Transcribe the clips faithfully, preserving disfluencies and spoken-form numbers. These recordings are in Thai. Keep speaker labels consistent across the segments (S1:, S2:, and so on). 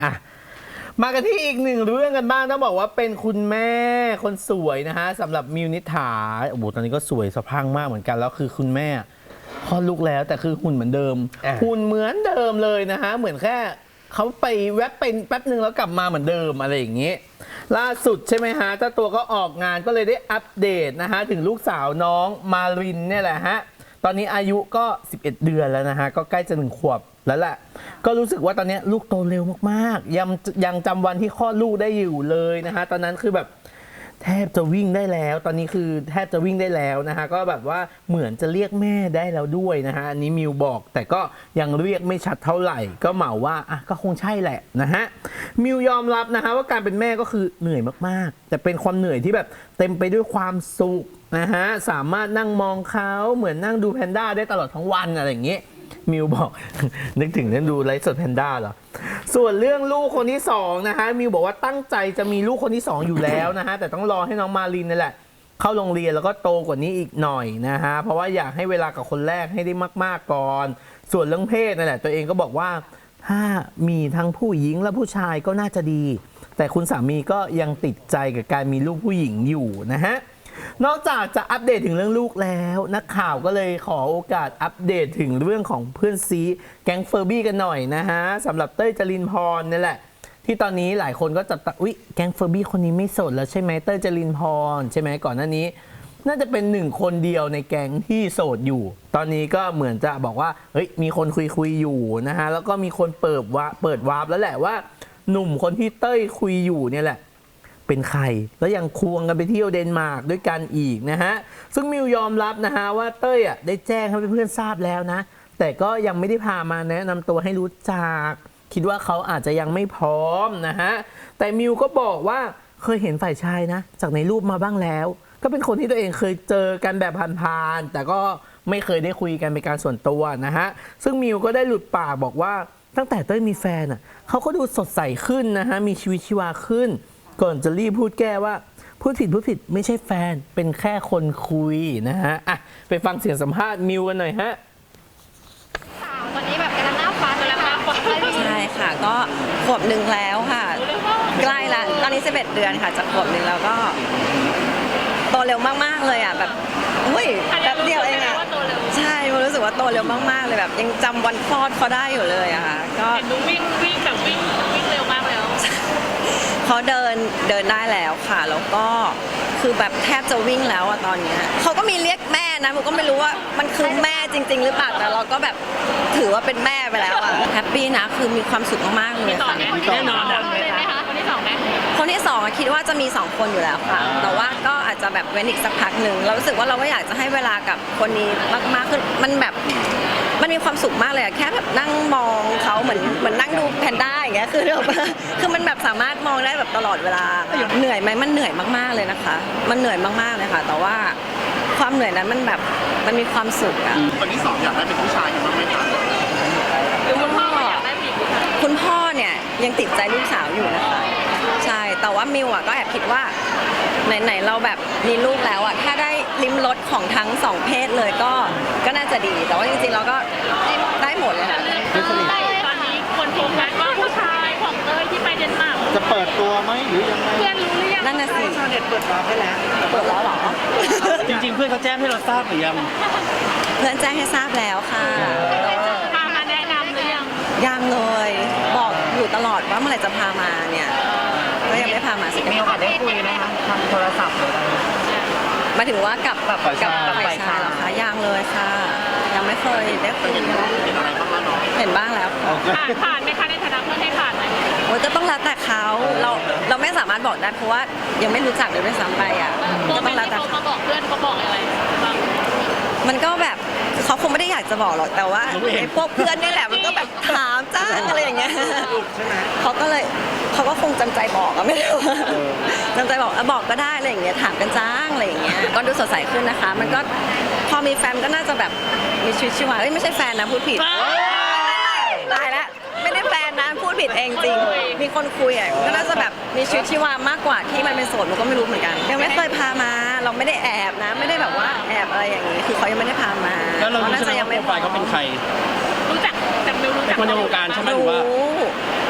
S1: อ่ะมากันที่อีกหนึ่งเรื่องกันบ้างต้องบอกว่าเป็นคุณแม่คนสวยนะฮะสำหรับมิวนิษฐาโอ้โหตอนนี้ก็สวยสะพรั่งมากเหมือนกันแล้วคือคุณแม่คลอดลูกแล้วแต่คือหุ่นเหมือนเดิมหุ่นเหมือนเดิมเลยนะฮะเหมือนแค่เขาไปแวบเป็นแป๊บหนึ่งแล้วกลับมาเหมือนเดิมอะไรอย่างนี้ล่าสุดใช่ไหมฮะเจ้าตัวก็ออกงานก็เลยได้อัปเดตนะฮะถึงลูกสาวน้องมารินเนี่ยแหละฮะตอนนี้อายุก็สิบเอ็ดเดือนแล้วนะฮะก็ใกล้จะหนึ่งขวบแล้วแหละก็รู้สึกว่าตอนนี้ลูกโตเร็วมากๆยังยังจำวันที่คลอดลูกได้อยู่เลยนะฮะตอนนั้นคือแบบแทบจะวิ่งได้แล้วตอนนี้คือแทบจะวิ่งได้แล้วนะฮะก็แบบว่าเหมือนจะเรียกแม่ได้แล้วด้วยนะฮะอันนี้มิวบอกแต่ก็ยังเรียกไม่ชัดเท่าไหร่ก็เหมาว่าอ่ะก็คงใช่แหละนะฮะมิวยอมรับนะฮะว่าการเป็นแม่ก็คือเหนื่อยมากๆแต่เป็นความเหนื่อยที่แบบเต็มไปด้วยความสุขนะฮะสามารถนั่งมองเขาเหมือนนั่งดูแพนด้าได้ตลอดทั้งวันอะไรอย่างเงี้ยมิวบอก นึกถึงเรื่องดูไลฟ์สดแพนด้าเหรอส่วนเรื่องลูกคนที่สองนะฮะมิวบอกว่าตั้งใจจะมีลูกคนที่สองอยู่แล้วนะฮะแต่ต้องรอให้น้องมารินนี่แหละเข้าโรงเรียนแล้วก็โตกว่านี้อีกหน่อยนะฮะเพราะว่าอยากให้เวลากับคนแรกให้ได้มากๆก่อนส่วนเรื่องเพศนั่นแหละตัวเองก็บอกว่าถ้ามีทั้งผู้หญิงและผู้ชายก็น่าจะดีแต่คุณสามีก็ยังติดใจกับการมีลูกผู้หญิงอยู่นะฮะนอกจากจะอัปเดตถึงเรื่องลูกแล้วนักข่าวก็เลยขอโอกาสอัปเดตถึงเรื่องของเพื่อนซีแก๊งเฟอร์บี้กันหน่อยนะฮะสำหรับเต้ยจรินพรนี่แหละที่ตอนนี้หลายคนก็จับตาอุ๊ยแก๊งเฟอร์บี้คนนี้ไม่โสดแล้วใช่ไหมเต้ยจรินพรใช่ไหมก่อนหน้านี้น่าจะเป็นหนึ่งคนเดียวในแก๊งที่โสดอยู่ตอนนี้ก็เหมือนจะบอกว่าเฮ้ยมีคนคุยคุยอยู่นะฮะแล้วก็มีคนเปิดว่าเปิดวาร์ปแล้วแหละว่าหนุ่มคนที่เต้ยคุยอยู่เนี่ยแหละเป็นใครแล้วยังควงกันไปเที่ยวเดนมาร์กด้วยกันอีกนะฮะซึ่งมิวยอมรับนะฮะว่าเต้ยอ่ะได้แจ้งให้เพื่อนๆทราบแล้วนะแต่ก็ยังไม่ได้พามาแนะนำตัวให้รู้จักคิดว่าเขาอาจจะยังไม่พร้อมนะฮะแต่มิวก็บอกว่าเคยเห็นฝ่ายชายนะจากในรูปมาบ้างแล้วก็เป็นคนที่ตัวเองเคยเจอกันแบบผ่านๆแต่ก็ไม่เคยได้คุยกันเป็นการส่วนตัวนะฮะซึ่งมิวก็ได้หลุดปากบอกว่าตั้งแต่เต้ยมีแฟนอ่ะเขาก็ดูสดใสขึ้นนะฮะมีชีวิตชีวาขึ้นก่อนจะรีบพูดแก้ว่าพูดผิดพูดผิดไม่ใช่แฟนเป็นแค่คนคุยนะฮะอ่ะไปฟังเสียงสัมภาษณ์มิวกันหน่อยฮะ
S2: ตอนนี้แบบกำลังหน้าฟ้าตัวแล้วค่ะ
S3: ใช่ค่ะก็ขวบหนึ่งแล้วค่ะใกล้ละตอนนี้สิบเอ็ดเดือนค่ะจากขวบหนึ่งแล้วก็โตเร็วมากๆเลยอ่ะแบบอุ้ยแป๊บเดียวเองอ่ะใช่รู้สึกว่าโตเร็วมากๆเลยแบบยังจำวันคลอดเขาได้อยู่เลยอะค่ะก็
S2: เห็นดูวิ่งวิ่งแบบวิ่งวิ่งเร็วมากแล้ว
S3: เขาเดินเดินได้แล้วค่ะแล้วก็คือแบบแทบจะวิ่งแล้วอะตอนนี้เขาก็มีเรียกแม่นะผมก็ไม่รู้ว่ามันคือแม่จริงๆหรือเปล่าแต่เราก็แบบถือว่าเป็นแม่ไปแล้วอะแฮปปี้นะคือมีความสุขมากๆเลยค่ะ
S2: แน่นอนเลยไหมคะคนที่สองไหม
S3: คนที่สองคิดว่าจะมีสองคนอยู่แล้วค่ะแต่ว่าก็อาจจะแบบเว้นอีกสักพักหนึ่งเรารู้สึกว่าเราก็อยากจะให้เวลากับคนนี้มากๆคือมันแบบมันมีความสุขมากเลยอะแค่แบบนั่งมองเขาเหมือนเหมือนนั่งดูแพนด้าอย่างเงี้ยคือแบบคือมันแบบสามารถมองได้แบบตลอดเวลาเหนื่อยไหมมันเหนื่อยมากๆเลยนะคะมันเหนื่อยมากๆเลยค่ะแต่ว่าความเหนื่อยนั้นมันแบบมันมีความสุขอะ
S4: คนที่สองอยากได้เป็นผู้ชายกันบ้างไหมคะ
S2: คุณพ่ออยากได้ผู้หญิง
S3: คุณพ่อเนี่ยยังติดใจลูกสาวอยู่นะคะใช่แต่ว่ามิวอะก็แอบคิดว่าไหนๆเราแบบมีลูกแล้วอะถ้าได้ลิ้มรสของทั้งสองเพศเลยก็ก็น่าจะดีแต่ว่าจริงๆเราก็ได้หมดเลยค่ะ
S2: ตอนนี้คนโฟกัสว่าผู้ชายของเต้ยที่ไปเดนมาร์ก
S4: จะเปิดตัวไหมหรือยังไง
S2: เพื่อนรู้หรือยัง
S3: นั่นน่ะสิ
S4: ชาวเน็ตเปิดวาร์ปให้แล้ว
S3: เปิดแล้วเหรอ
S4: จริงๆเพื่อนเขาแจ้งให้เราทราบหรือยัง
S3: เพื่อนแจ้งให้ทราบแล้วค่ะ
S2: พามาแนะนำหรือยัง
S3: ยังเลยบอกอยู่ตลอดว่าเมื่อไหร่จะพามาเนี่ยก็ยังไม่พามาสักที
S5: มีโอกาสได้คุยไหมคะทางโทรศัพท์หรืออะไร
S3: มาถึงว่ากับแบบกับกับฝ่ายชายเหรอคะยังเลยค่ะยังไม่เคยได้คุยเห็นบ้างแล้ว
S2: ผ่านผ่านไหมคะในฐานะเพื่อนให้ผ่านไหม
S3: โอ้ยก็ต้องแล้วแต่เขาเราเราไม่สามารถบอกได้เพราะว่ายังไม่รู้จักเลยด้วยซ้ำไปอ่ะ
S2: ก็ต้องแล้วแต่เขามาบอกเพื่อนเขาบอกอะไรบ้าง
S3: มันก็แบบเขาคงไม่ได้อยากจะบอกหรอกแต่ว่าไอ้พวกเพื่อนนี่แหละมันก็แบบถามจ้าอะไรอย่างเงี้ยเขาก็เลยเขาก็คงจำใจบอกอะไม่รู้จำใจบอกบอกก็ได้อะไรอย่างเงี้ยถามกันจ้างอะไรอย่างเงี้ยก็ดูสดใสขึ้นนะคะมันก็พอมีแฟนก็น่าจะแบบมีชีวิตชีวาเอ้ยไม่ใช่แฟนนะพูดผิดตายแล้วไม่ได้แฟนนะพูดผิดเองจริงมีคนคุยอ่ะก็น่าจะแบบมีชีวิตชีวามากกว่าที่มันเป็นโสดมันก็ไม่รู้เหมือนกันยังไม่เคยพามาเราไม่ได้แอบนะไม่ได้แบบว่าแอบอะไรอย่างนี้คือเขายังไม่ได้พามา
S4: แล้วเรารู้ใช่ไหมว่าโปรไฟล์เขาเป็นใคร
S2: รู้จักจากมิวรู้จัก
S4: คนในวงการใช่ไหมหรือว่า
S3: ร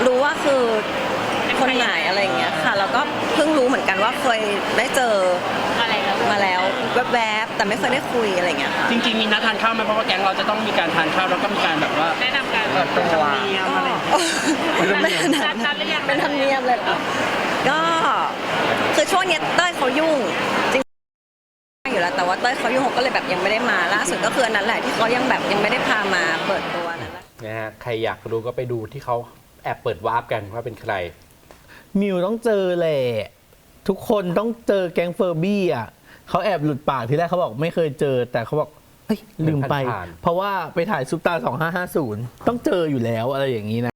S3: รู้ว่าคือคนไหนอะไรอย่างเงี้ยค่ะแล้วก็เพิ่งรู้เหมือนกันว่าเคยได้เจอ
S2: อะไรแล้ว
S3: มาแล้วแวบๆแต่ไม่เคยได้คุยอะไรอย่างเงี้ยค่ะ
S4: จริง ๆ มีนัดทานข้าวไหมเพราะว่าแก๊งเราจะต้องมีการทานข้าวแล้วก็มีการแบบว่า
S2: แนะนำกัน
S4: เปิดตัวธรรมเนียมอะไร
S2: นัดนัดหรือยัง
S3: เป็นธรรมเนียมเลยเหรอก็คือช่วงเนี้ยเต้ยเขายุ่งจริงๆอยู่แล้วแต่ว่าเต้ยเขายุ่งเขาก็เลยแบบยังไม่ได้มาล่าสุดก็คืออันนั้นแหละที่เขายังแบบยังไม่ได้พามาเปิดตัวนั่นแหละ
S6: นะฮะใครอยากดูก็ไปดูที่เขาแอบเปิดวาร์ปกันว่าเป็นใคร
S1: มิวต้องเจอแหละทุกคนต้องเจอแก๊งเฟอร์บี้อ่ะเขาแอบหลุดปากทีแรกเขาบอกไม่เคยเจอ แต่เขาบอกเฮ้ยลืมไป
S6: ผ่านๆ
S1: เพราะว่าไปถ่ายซุปตาสองห้าห้าศูนย์ต้องเจออยู่แล้วอะไรอย่างนี้นะ